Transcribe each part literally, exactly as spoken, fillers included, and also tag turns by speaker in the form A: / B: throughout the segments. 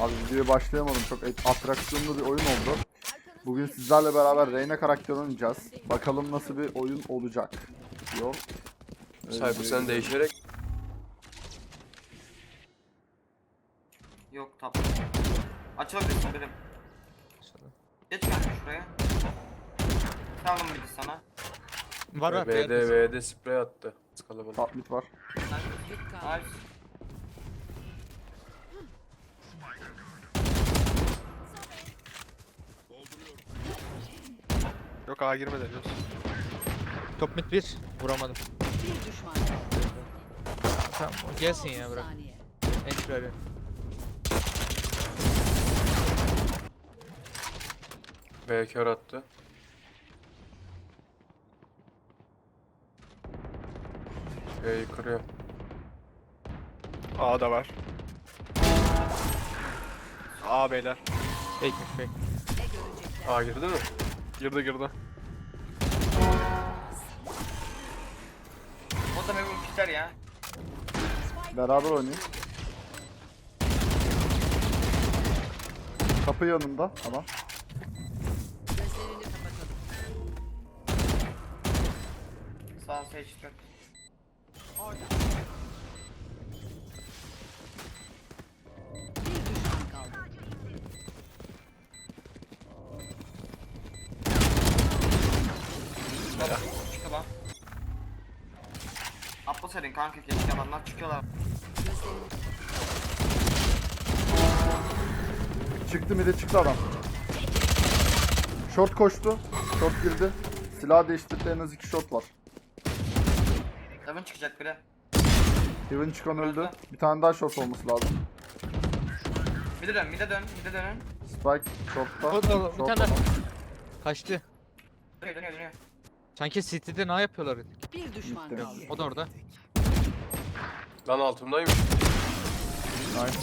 A: Abi videoya başlayamadım. Çok atraksiyonlu bir oyun oldu. Bugün sizlerle beraber Reyna karakteri oynayacağız. Bakalım nasıl bir oyun olacak. Yok.
B: Cypher sen değişerek.
C: Yok tamam. Açılabilirsin benim. Geç kanka şuraya. Tamam bir de sana.
D: Var var.
B: B'de B'de sprey attı. Kalabalık.
A: Top mid var.
C: Nice.
D: Yok A girmedi henüz. Top mid bir. Vuramadım.
E: Bir düşman kaldı.
D: Tamam o gelsin ya bırak.
E: Saniye.
D: Entry arıyor.
B: B kör attı. B'yi kırıyor.
D: A da var. A beyler. Fake'miş fake.
E: Ne görecekler?
B: A girdi mi?
D: Girdi girdi.
C: O da memnun biter ya.
A: Beraber oynayın. Kapı yanında adam.
E: Gözlerini kapatalım.
C: Sağ seçtim.
E: Bir düşman kaldı.
C: Çıktı lan. Atla senin kanka keşke adamlar çıkıyorlar.
E: Gözlerini
A: Çıktı mid'e çıktı adam. Short koştu. Short girdi. Silah değiştirdi, en az iki short var.
C: Heaven çıkacak biri.
A: Heaven çıkan öldü. Bir tane daha short olması lazım.
C: Mide dön, mide dön, mide dönün.
A: Spike short'ta.
D: O da bir
A: Short
D: tane
A: adam.
D: kaçtı.
C: Dönüyor, dönüyor, dönüyor.
D: Sanki City'de ne yapıyorlar?
E: bir düşman
A: Bitti.
E: kaldı.
D: O da orada.
B: Lan altımdaymış.
A: Nice.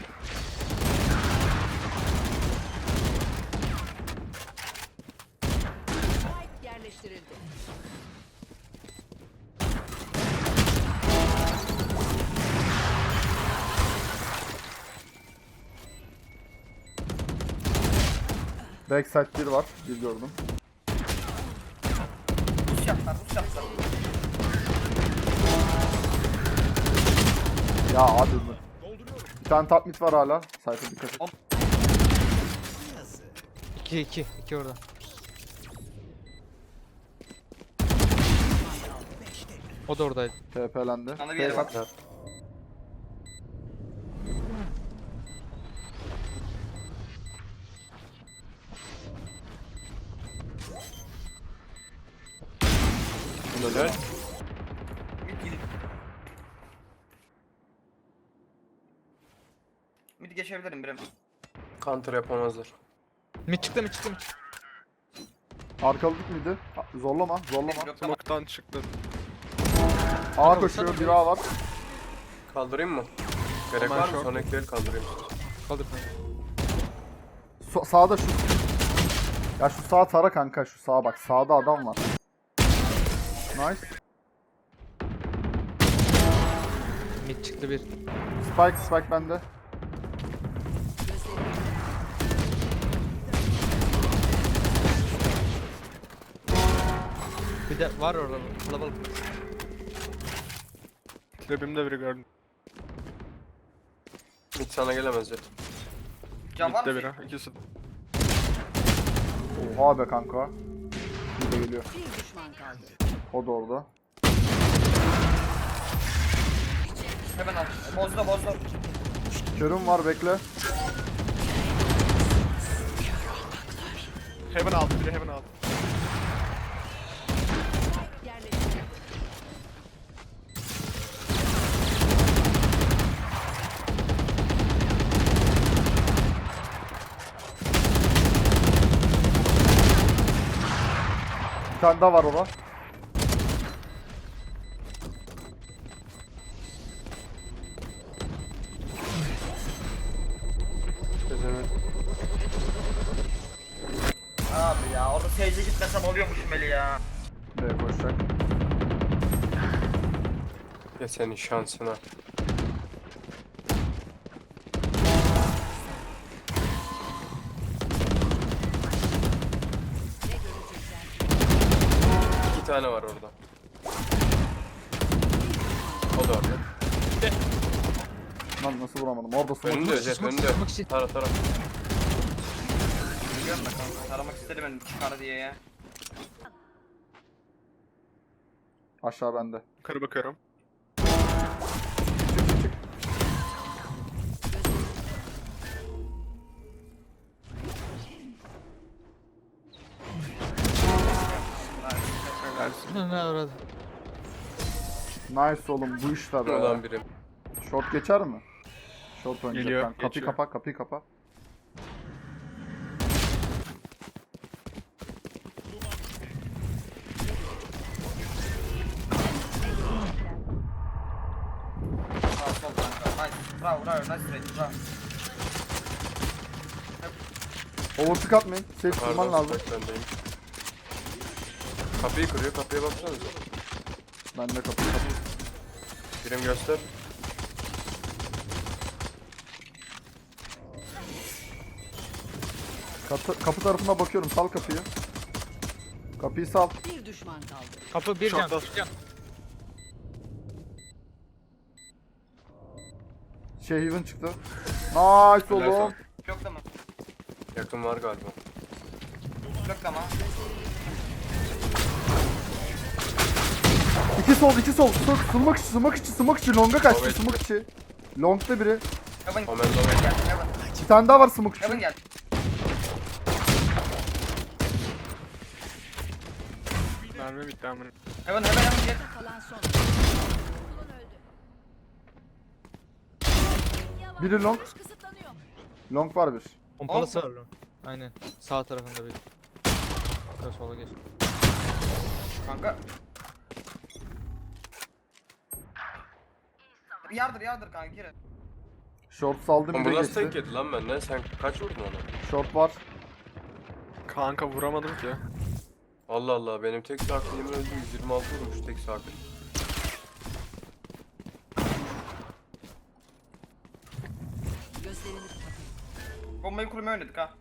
E: Spike yerleştirildi.
A: Backside bir var. Bir gördüm.
C: Buz yaptılar, buz yaptılar.
A: Ya abi mi? Bir tane top mid var hala. Cypher dikkat et.
D: iki iki. iki orada. O da oradaydı.
A: T P'lendi.
C: Sana bir yere bak.
B: Ha. Helal.
C: Mid gidin. Mid geçebilirim birim.
B: Counter yapamazlar.
D: Mid çıktı mid çıktı mid çıktı.
A: Arkalıdık mıydı? Ha, Zorlama, zorlama.
C: Yok tamam.
F: Smoke'tan çıktı.
A: A koşuyor, bir A var.
B: Kaldırayım mı? Gerek
D: Aman
B: var mı?
D: short.
B: Son ekleri kaldırayım.
D: Kaldır.
A: So- sağda şu. Ya şu sağ tara kanka, şu sağa bak. Sağda adam var. Nice.
D: Mid çıktı bir.
A: Spike, Spike bende.
E: Gözlerini
D: Bir de var orada kalabalık.
F: Trap'imde biri gördüm.
B: Hiç sana gelemez ya.
C: Can var
F: Mid'de
C: mı?
F: biri. İkisi.
A: Oha be kanka. Bir de geliyor.
E: bir düşman kaldı.
A: O da orada.
C: Hemen al. Bozdu, bozdu.
A: Körüm var, bekle.
F: Heaven aldı biri heaven aldı.
E: Yerleştirildi.
A: Bir tane daha var orada.
B: Çözemedim.
C: Abi ya orada seyirci gitmesem oluyormuş Meli ya.
A: B koşacak.
B: Ya senin şansına. tane var orada. O da orada.
A: Lan nasıl vuramadım? Orada smoke.
B: Önünde Jet önünde. Tara tara.
C: Biliyorum da kanka. Taramak istedim ben çıkar diye ya.
A: Aşağı bende.
F: Yukarı bakıyorum.
D: Ne orada?
A: Nice oğlum bu işte be.
B: Oradan biri.
A: Short geçer mi? Short oynayacak.
F: Geliyor,
A: Ben- Kapıyı
F: geçiyor.
A: kapa, kapıyı kapa.
C: Sağ sol kanka. Nice. Bravo bravo. Nice trade. Bravo.
A: Overpick atmayın. Safe tutman
B: Pardon
A: lazım.
B: spike bendeyim. Kapıyı kırıyor kapıya baksanıza.
A: Ben de kapıyı kapıyı.
B: Birim göster.
A: Kapı, kapı tarafına bakıyorum. Sal kapıyı. Kapıyı sal.
E: Bir düşman kaldı.
D: Kapı bir can.
F: Short'ta.
D: Bir can.
A: Şey Heaven çıktı. Nice
B: Helal
A: oğlum.
B: sana.
C: Bloklama.
B: Yakın var galiba.
C: Bloklama.
A: İki sol, iki sol. Smoke, smoke içi, smoke içi, smoke içi. Long'a kaçtı,
B: Evet.
A: smoke içi. Long'da biri.
C: Heaven
B: Omen Omen.
C: geldi. Heaven.
A: Bir tane daha var smoke
C: Heaven
A: içi.
C: geldi.
F: Mermi bitti amına.
C: Heaven heaven heaven gel.
E: Kalan son.
A: Biri long. Long var bir.
D: Pompalısı var lan. Aynen. Sağ tarafında bir. Şöyle sola geç.
C: Kanka. Yardır yardır kanka gir.
A: Short saldı
B: Oğlum
A: bir
B: bu
A: de
B: nasıl tek
A: geçti.
B: yedi lan benden? Sen kaç vurdun ona?
A: Short var.
F: Kanka vuramadım ki.
B: Allah Allah benim tek sakilim öldü yüz yirmi altı vurmuş tek sakin.
E: Gözlerini kapatın.
C: Bombayı kurmaya oynadık ha.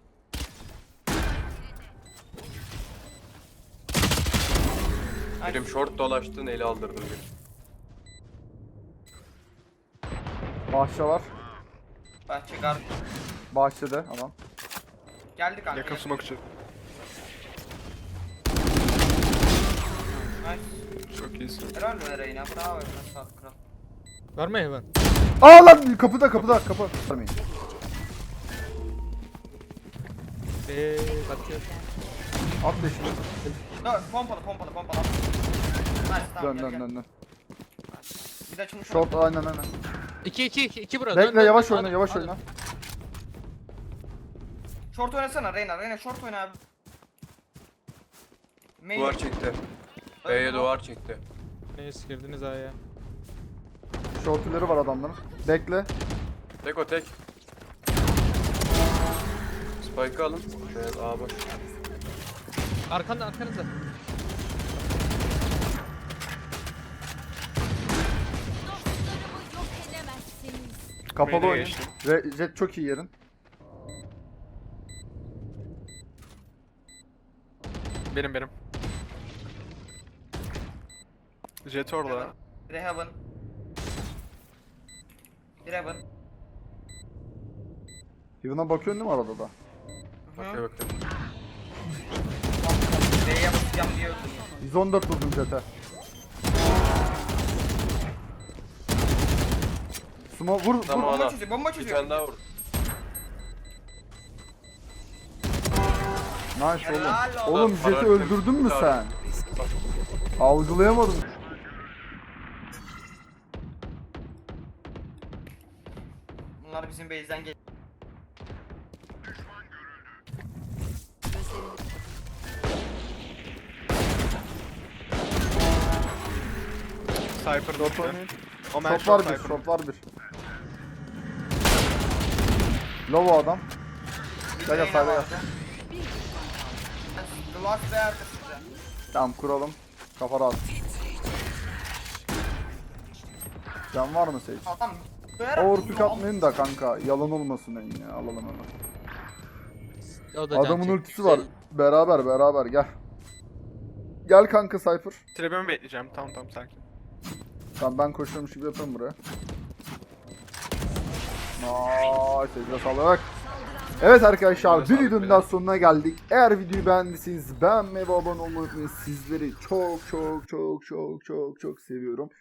B: Birim short dolaştın eli aldırdın bir.
A: Bahçe var.
C: Bahçe gar.
A: Bahçede adam.
C: Geldi kanka.
F: Yakın smoke için.
C: Nice.
F: Çok iyisin.
C: Helal be Reyna. Bravo. Nasıl at kral.
D: Var mı Heaven?
A: Aa lan kapıda kapıda kapı. Vermeyin.
D: Eee kaçıyor.
A: At leşini.
C: Dön pompalı pompalı pompalı. Nice tamam
A: Dön
C: gel
A: dön
C: gel.
A: dön dön.
C: Bir de açılmış.
A: Short aynen aynen.
D: İki iki iki iki burada.
A: Bekle yavaş oyna yavaş oyna.
C: Short oynasana Reyna. Reyna short oyna abi. Main.
B: Duvar çekti. B'ye duvar çekti.
D: Neyse girdiniz A'ya.
A: Short ileri var adamların. Bekle.
B: Tek o tek. Spike'ı alın. Evet A boş.
D: Arkanda arkanızda.
A: Kapalı
F: Main'e
A: oyun.
F: geçtim.
A: Ve Jet çok iyi yerin.
F: Benim benim. Jet orada.
C: Bir de heaven. Bir heaven.
A: Heaven'a bakıyorsun değil mi arada da?
B: Bakıyor bakıyor.
C: B'ye basacağım diye öldüm.
A: yüz on dört vurdum Jet'e. Sumo vur.
B: Tamam
C: Bomba
B: ana.
C: çözüyor, bomba
B: Bir
C: çözüyor.
B: tane daha vur.
A: Nice
C: Helal
A: oğlum.
C: oğlum.
A: Oğlum Jet'i öldürdün mü sen? Algılayamadım.
C: Bunlar bizim base'den gel.
E: Gözlerini
F: Cypher
A: Short
F: bitti.
A: oynayın.
F: Omen
A: Short var
F: short
A: bir,
F: Cypher.
A: short var bir. Low o adam. Gel gel sayda gel.
C: The last day arkasında.
A: Tamam kuralım. Kafa rahat. Can var mı Sage?
C: Adam.
A: Overpick atmayın da kanka. Yalan olmasın en ya. Alalım hemen.
D: O da can
A: Adamın
D: çekti.
A: ultisi var. Beraber beraber gel. Gel kanka Cypher.
F: Trebimi bekleyeceğim. Tamam tamam sakin.
A: Tamam ben koşuyormuş gibi yapıyorum buraya. Nice. Elinize sağlık. Evet arkadaşlar
B: Elinize
A: bir
B: sağlık
A: videonun
B: beyler.
A: daha sonuna geldik. Eğer videoyu beğendiyseniz beğenmeyi ve abone olmayı unutmayın. Sizleri çok çok çok çok çok çok seviyorum.